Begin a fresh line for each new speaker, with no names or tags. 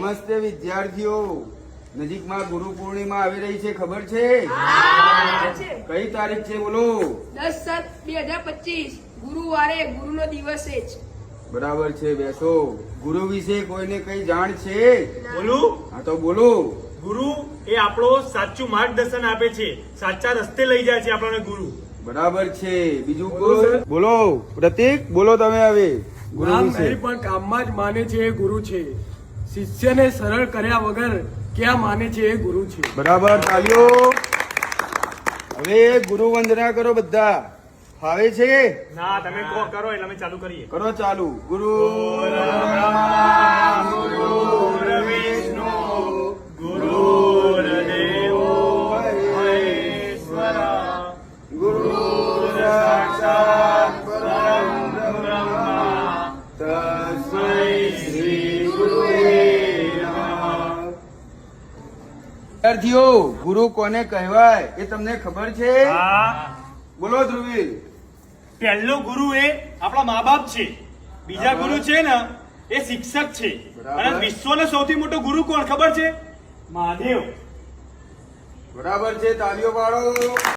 નમસ્તે વિદ્યાર્થીઓ, નજીકમાં ગુરુ પૂર્ણિમા આવી રહી છે, ખબર છે? કઈ તારીખ છે બોલો?
10/7/2025 ગુરુવારે ગુરુનો દિવસ છે.
બરાબર છે, બેસો. ગુરુ વિશે કોઈને કઈ જાણ છે?
બોલું?
હા તો બોલો.
ગુરુ એ આપણો સાચું માર્ગદર્શન આપે છે, સાચા રસ્તે લઈ જાય છે આપણને ગુરુ.
બરાબર છે. બીજું કોઈ બોલો? પ્રતીક બોલો તમે હવે. ગુરુ
રામ
વિશે
નહીં પણ કામમાં જ માને છે એ ગુરુ છે. શિષ્યને સરળ કર્યા વગર ક્યાં માને છે એ ગુરુ છે.
બરાબર, તાલીઓ. હવે ગુરુ વંદના કરો બધા. ફાવે છે?
ના, તમે કહો કરો એટલે અમે ચાલુ કરીએ.
કરો ચાલુ. ગુરુ
વિષ્ણુ ગુરુર્દેવો મહેશ્વર
ગુરુ સાક્ષાત પરમ બ્રહ્મ તસ્મૈ શ્રી ગુરુવે નમઃ. વિદ્યાર્થીઓ, ગુરુ કોને કહેવાય એ તમને ખબર છે?
હા,
બોલો ધ્રુવીલ.
પહેલો ગુરુ એ આપણા મા બાપ છે. બીજા ગુરુ છે ને એ શિક્ષક છે.
બરાબર.
અને વિશ્વનો સૌથી મોટો ગુરુ કોણ ખબર છે? મહાદેવ.
બરાબર છે, તાલીઓ પાડો.